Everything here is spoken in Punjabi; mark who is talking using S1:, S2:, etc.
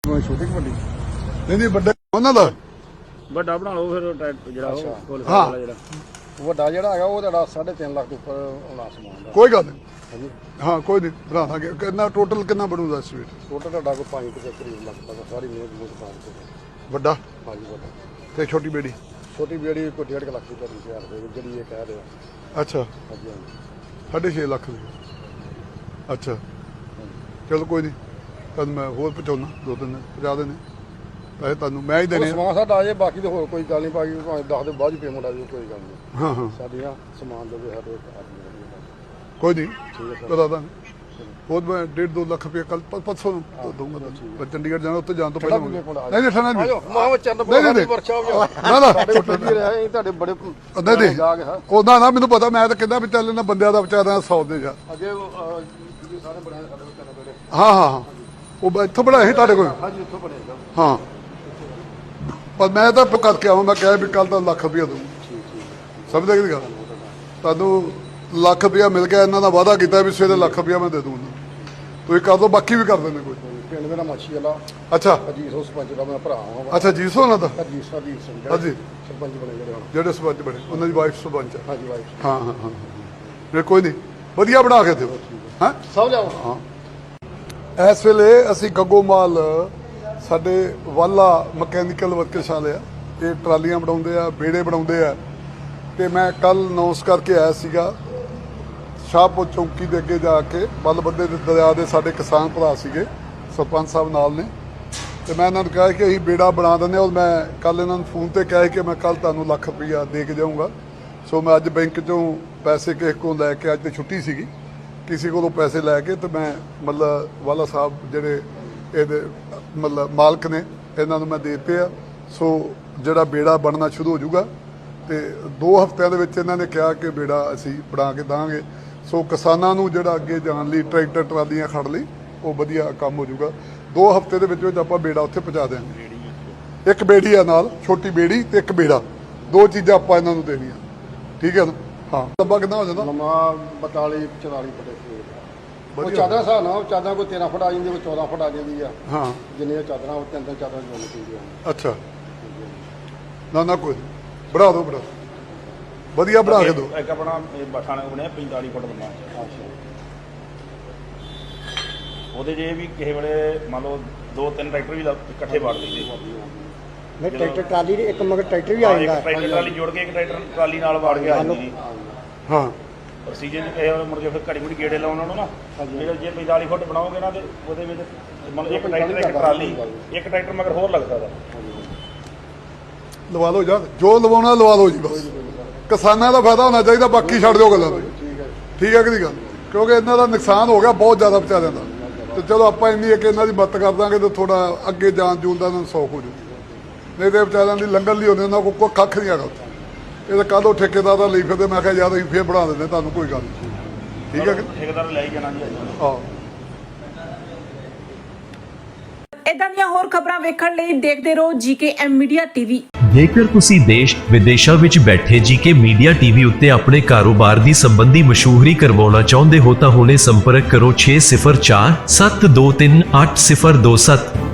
S1: ਛੋਟੀ ਵੱਡੀ
S2: ਨਹੀਂ ਵੱਡਾ ਉਹਨਾਂ ਦਾ
S1: ਵੱਡਾ ਬਣਾ ਲਓ ਫਿਰ ਜਿਹੜਾ ਉਹ
S2: ਹਾਂ
S1: ਜਿਹੜਾ ਵੱਡਾ ਜਿਹੜਾ ਹੈਗਾ ਉਹ ਤੁਹਾਡਾ 3.5 ਲੱਖ ਦੇ ਉੱਪਰ ਆਉਣਾ ਸਮਾਨ ਦਾ।
S2: ਕੋਈ ਗੱਲ ਨਹੀਂ ਹਾਂ ਕੋਈ ਨਹੀਂ ਬਣਾ ਦਾਂਗੇ। ਕਿੰਨਾ ਟੋਟਲ ਕਿੰਨਾ ਬਣੂਗਾ ਇਸ ਵੇਲੇ?
S1: ਟੋਟਲ ਤੁਹਾਡਾ ਕੋਈ 5 ਦੇ ਕਰੀਬ ਲੱਖ ਤੱਕ ਸਾਰੀ ਮੇਜ਼ ਪਾ ਕੇ
S2: ਵੱਡਾ
S1: ਹਾਂਜੀ ਵੱਡਾ।
S2: ਤੇ ਛੋਟੀ ਬੇੜੀ
S1: ਛੋਟੀ ਬੇੜੀ ਕੋਈ 1.5 ਲੱਖ ਦੀ ਤੁਹਾਡੀ ਤਿਆਰ ਦੇ ਜਿਹੜੀ ਇਹ ਕਹਿ ਰਿਹਾ।
S2: ਅੱਛਾ
S1: ਹਾਂਜੀ ਹਾਂਜੀ
S2: 6.5 ਲੱਖ ਦੀ ਅੱਛਾ ਚਲੋ ਕੋਈ ਨਹੀਂ ਤੁਹਾਨੂੰ ਮੈਂ ਹੋਰ ਪਹੁੰਚਾਉਣਾ 2-3 ਪਹੁੰਚਾ ਦੇਣੇ ਪੈਸੇ ਤੁਹਾਨੂੰ ਮੈਂ ਹੀ ਦੇਣੇ
S1: ਸਮਾਨ ਸਾਡਾ ਆ ਜੇ ਬਾਕੀ ਤੇ ਹੋਰ ਕੋਈ ਗੱਲ ਨਹੀਂ ਬਾਕੀ ਭਾਵੇਂ 10 ਦੇ ਬਾਅਦ ਹੀ ਪੇਮੈਂਟ ਆ ਜਾਵੇ ਕੋਈ ਗੱਲ ਨਹੀਂ।
S2: ਹਾਂ ਹਾਂ
S1: ਸਾਡੀਆਂ ਸਮਾਨ ਦੇ ਸਾਡੇ ਆਦਮੀ
S2: ਕੋਈ ਨਹੀਂ
S1: ਠੀਕ ਹੈ
S2: ਕਰਾ ਦਾਂਗੇ। ਬਹੁਤ ਮੈਂ 1.5-2 ਲੱਖ ਰੁਪਏ ਕੱਲ ਪਰਸੋਂ ਨੂੰ ਦਊਂਗਾ ਮੈਂ ਚੰਡੀਗੜ੍ਹ ਜਾਣਾ ਉੱਥੇ ਜਾਣ ਤੋਂ ਪਹਿਲਾਂ ਨਹੀਂ ਨਹੀਂ ਠਾਣਾ ਜੀ
S1: ਨਹੀਂ ਵਰਕਸ਼ਾਪ
S2: ਨਾ ਨਾ
S1: ਤੁਹਾਡੇ ਬੜੇ
S2: ਨਹੀਂ ਉਹਦਾ ਨਾ ਮੈਨੂੰ ਪਤਾ ਮੈਂ ਤਾਂ ਕਹਿੰਦਾ ਵੀ ਚੱਲ ਇਹਨਾਂ ਬੰਦਿਆਂ ਦਾ ਵਿਚਾਰਾ 100 ਦੇ ਜਾ
S1: ਅੱਗੇ ਸਾਰੇ ਬਣਾਏ ਸਾਡੇ
S2: ਹਾਂ ਹਾਂ ਹਾਂ ਉਹ ਇੱਥੋਂ ਬਣਾਏ ਸੀ ਤੁਹਾਡੇ ਕੋਲ?
S1: ਹਾਂਜੀ ਉੱਥੋਂ ਬਣੇਗਾ
S2: ਹਾਂ ਪਰ ਮੈਂ ਤਾਂ ਕਰਕੇ ਆਵਾਂ ਮੈਂ ਕਿਹਾ ਵੀ ਕੱਲ ਤਾਂ ਲੱਖ ਰੁਪਇਆ ਦਊਂ ਸਮਝਦੇ ਕਿ ਗੱਲ ਤੁਹਾਨੂੰ ਲੱਖ ਰੁਪਇਆ ਮਿਲ ਗਿਆ ਇਹਨਾਂ ਦਾ ਵਾਅਦਾ ਕੀਤਾ ਵੀ ਸਵੇਰੇ ਲੱਖ ਰੁਪਇਆ ਮੈਂ ਦੇ ਦੂੰਗਾ ਤੁਸੀਂ ਕਰ ਦੋ ਬਾਕੀ ਵੀ ਕਰ ਦਿੰਦੇ ਕੋਈ
S1: ਪਿੰਡ ਮੇਰਾ ਮਾਛੀ ਵਾਲਾ
S2: ਅੱਛਾ
S1: ਅਜੀਤ ਸਰਪੰਚ ਦਾ ਮੈਂ ਭਰਾ ਹਾਂ।
S2: ਅੱਛਾ ਜੀ ਸੋ ਉਹਨਾਂ ਦਾ
S1: ਅਜੀਤ ਸਿੰਘ
S2: ਹਾਂਜੀ
S1: ਸਰਪੰਚ ਬਣੇ ਜਿਹੜੇ ਹੁਣ
S2: ਜਿਹੜੇ ਸਰਪੰਚ ਬਣੇ ਉਹਨਾਂ ਦੀ ਵਾਈਫ ਸਰਪੰਚ ਆ।
S1: ਹਾਂਜੀ ਵਾਈਫ
S2: ਹਾਂ ਹਾਂ ਹਾਂ ਫਿਰ ਕੋਈ ਨਹੀਂ ਵਧੀਆ ਬਣਾ ਕੇ ਦਿਓ ਹਾਂ
S1: ਸਭ ਲਿਆਓ
S2: ਹਾਂ ਇਸ ਵੇਲੇ ਅਸੀਂ ਗੱਗੋਮਾਲ ਸਾਡੇ ਵਾਲਾ ਮਕੈਨੀਕਲ ਵਰਕਸ਼ਾਪ ਆ ਇਹ ਟਰਾਲੀਆਂ ਬਣਾਉਂਦੇ ਆ ਬੇੜੇ ਬਣਾਉਂਦੇ ਆ ਤੇ ਮੈਂ ਕੱਲ ਅਨਾਉਂਸ ਕਰਕੇ ਆਇਆ ਸੀਗਾ ਸ਼ਾਹਪੁਰ ਚੌਂਕੀ ਦੇ ਅੱਗੇ ਜਾ ਕੇ ਬਲਬੱਦੇ ਦੇ ਦਰਿਆ ਦੇ ਸਾਡੇ ਕਿਸਾਨ ਭਰਾ ਸੀਗੇ ਸਰਪੰਚ ਸਾਹਿਬ ਨਾਲ ਨੇ ਤੇ ਮੈਂ ਇਹਨਾਂ ਨੂੰ ਕਿਹਾ ਕਿ ਅਸੀਂ ਬੇੜਾ ਬਣਾ ਦਿੰਦੇ ਔਰ ਮੈਂ ਕੱਲ ਇਹਨਾਂ ਨੂੰ ਫੋਨ ਤੇ ਕਿਹਾ ਕਿ ਮੈਂ ਕੱਲ ਤੁਹਾਨੂੰ ਲੱਖ ਰੁਪਈਆ ਦੇ ਕੇ ਜਾਊਂਗਾ। ਸੋ ਮੈਂ ਅੱਜ ਬੈਂਕ 'ਚੋਂ ਪੈਸੇ ਕਿਸੇ ਕੋਲ ਲੈ ਕੇ ਅੱਜ ਤੇ ਛੁੱਟੀ ਸੀਗੀ ਕਿਸੇ ਕੋਲੋਂ ਪੈਸੇ ਲੈ ਕੇ ਤੇ ਮੈਂ ਮਤਲਬ ਵਾਲਾ ਸਾਹਿਬ ਜਿਹੜੇ ਇਹਦੇ ਮਤਲਬ ਮਾਲਕ ਨੇ ਇਹਨਾਂ ਨੂੰ ਮੈਂ ਦੇ ਦਿੱਤੇ ਆ। ਸੋ ਜਿਹੜਾ ਬੇੜਾ ਬਣਨਾ ਸ਼ੁਰੂ ਹੋ ਜਾਊਗਾ ਤੇ 2 ਹਫ਼ਤਿਆਂ ਦੇ ਵਿੱਚ ਇਹਨਾਂ ਨੇ ਕਿਹਾ ਕਿ ਬੇੜਾ ਅਸੀਂ ਬਣਾ ਕੇ ਦਾਂਗੇ। ਸੋ ਕਿਸਾਨਾਂ ਨੂੰ ਜਿਹੜਾ ਅੱਗੇ ਜਾਣ ਲਈ ਟਰੈਕਟਰ ਟਰਾਲੀਆਂ ਖੜ ਲਈ ਉਹ ਵਧੀਆ ਕੰਮ ਹੋ ਜਾਊਗਾ। 2 ਹਫ਼ਤੇ ਦੇ ਵਿੱਚ ਆਪਾਂ ਬੇੜਾ ਉੱਥੇ ਪਹੁੰਚਾ ਦਿਆਂਗੇ। ਇੱਕ ਬੇੜੀ ਆ ਨਾਲ ਛੋਟੀ ਬੇੜੀ ਤੇ ਇੱਕ ਬੇੜਾ 2 ਚੀਜ਼ਾਂ ਆਪਾਂ ਇਹਨਾਂ ਨੂੰ ਦੇਣੀਆਂ ਠੀਕ ਹੈ ਨਾ। ਹਾਂ ਡੱਬਾ ਕਿੰਨਾ ਹੋ ਜਾਂਦਾ?
S1: ਨਵਾਂ 42-44 ਫੁੱਟ ਉਹ ਚਾਦਰਾਂ ਹਿਸਾਬ ਨਾਲ ਚਾਦਰਾਂ ਕੋਈ 13 ਫੁੱਟ ਆ ਜਾਂਦੀ ਕੋਈ 14 ਫੁੱਟ ਆ ਜਾਂਦੀ ਆ। ਹਾਂ ਜਿੰਨੀਆਂ ਚਾਦਰਾਂ ਉਹ 3 ਚਾਦਰਾਂ ਜੋੜਨੀ ਚਾਹੀਦੀਆਂ।
S2: ਅੱਛਾ ਨਾ ਨਾ ਕੋਈ ਬਣਾ ਦਿਓ ਬਣਾ ਵਧੀਆ ਬਣਾ ਕੇ ਦਿਓ।
S1: ਇੱਕ ਆਪਣਾ ਬਠਾਣਾ ਬਣਿਆ 45 ਫੁੱਟ ਲੰਮਾ। ਉਹਦੇ ਜੇ ਵੀ ਕਿਸੇ ਵੇਲੇ ਮੰਨ ਲਓ 2-3 ਟਰੈਕਟਰ ਵੀ ਇਕੱਠੇ ਵਾੜ ਲਈਦੇ
S3: ਨਹੀਂ ਟਰੈਕਟਰ ਟਰਾਲੀ ਦੇ ਇੱਕ ਮਗਰ ਟਰੈਕਟਰ ਵੀ ਆ ਜਾਂਦਾ
S1: ਟਰੈਕਟਰ ਟਰਾਲੀ ਜੋੜ ਕੇ ਇੱਕ ਟਰੈਕਟਰ ਟਰਾਲੀ ਨਾਲ ਵਾੜ ਕੇ ਆ ਜਾਂਦੀ
S2: ਹਾਂ
S1: ਪ੍ਰੋਸੀਜਰ ਚ ਕਿਸੇ ਮੁੜ ਕੇ ਫਿਰ ਘੜੀ ਮੁੜੀ ਗੇੜੇ ਲਾਉਣ ਨੂੰ ਨਾ ਜਿਹੜੇ ਜੇ 45 ਫੁੱਟ ਬਣਾਓਗੇ ਨਾ ਤੇ ਉਹਦੇ ਵਿੱਚ ਮਤਲਬ ਇੱਕ ਟਰੈਕਟਰ ਇੱਕ ਟਰਾਲੀ ਇੱਕ ਟਰੈਕਟਰ ਮਗਰ ਹੋਰ ਲੱਗ ਸਕਦਾ।
S2: ਲਵਾ ਲਓ ਯਾਰ ਜੋ ਲਵਾਉਣਾ ਲਵਾ ਲਓ ਜੀ ਬਸ ਕਿਸਾਨਾਂ ਦਾ ਫਾਇਦਾ ਹੋਣਾ ਚਾਹੀਦਾ ਬਾਕੀ ਛੱਡ ਦਿਓ ਗੱਲਾਂ ਠੀਕ ਹੈ ਕਿ ਨਹੀਂ ਗੱਲ ਕਿਉਂਕਿ ਇਹਨਾਂ ਦਾ ਨੁਕਸਾਨ ਹੋ ਗਿਆ ਬਹੁਤ ਜ਼ਿਆਦਾ ਵਿਚਾਰਿਆਂ ਦਾ ਤੇ ਚਲੋ ਆਪਾਂ ਇੰਨੀ ਕਿ ਇਹਨਾਂ ਦੀ ਮਦਦ ਕਰ ਦਾਂਗੇ ਤੇ ਥੋੜਾ ਅੱਗੇ ਜਾਣ ਜੂਣ ਦਾ ਇਹਨਾਂ ਨੂੰ ਸੌਖ ਹੋ ਜੂਗੀ ਨਹੀਂ ਤੇ ਵਿਚਾਰਿਆਂ ਦੀ ਲੰਗਰ ਲਈ ਹੁੰਦੇ ਉਹਨਾਂ ਕੋਲ ਕੋਈ ਕੱਖ ਨਹੀਂ ਹੈਗਾ ਇਹ ਤਾਂ ਕੱਲ੍ਹ ਉਹ ਠੇਕੇਦਾਰ ਦਾ ਲਈ ਫਿਰਦੇ ਮੈਂ ਕਿਹਾ ਯਾਰ ਅਸੀਂ ਫੇਰ ਬਣਾ ਦਿੰਦੇ ਤੁਹਾਨੂੰ ਕੋਈ ਗੱਲ ਨਹੀਂ ਠੀਕ ਹੈ ਕਿ
S1: ਠੇਕੇਦਾਰ ਲੈ ਹੀ ਜਾਣਾ ਜੀ
S2: ਹਾਂ।
S4: ਇਦਾਂ ਦੀਆਂ ਹੋਰ ਖਬਰਾਂ ਵੇਖਣ ਲਈ ਦੇਖਦੇ ਰਹੋ ਜੀਕੇਐਮ ਮੀਡੀਆ ਟੀਵੀ।
S5: ਜੇਕਰ ਤੁਸੀਂ ਦੇਸ਼ ਵਿਦੇਸ਼ਾਂ ਵਿੱਚ ਬੈਠੇ ਜੀਕੇ ਮੀਡੀਆ ਟੀਵੀ ਉੱਤੇ ਆਪਣੇ ਕਾਰੋਬਾਰ ਦੀ ਸੰਬੰਧੀ ਮਸ਼ਹੂਰੀ ਕਰਵਾਉਣਾ ਚਾਹੁੰਦੇ ਹੋ ਤਾਂ ਹੁਣੇ ਸੰਪਰਕ ਕਰੋ 604 723 8027।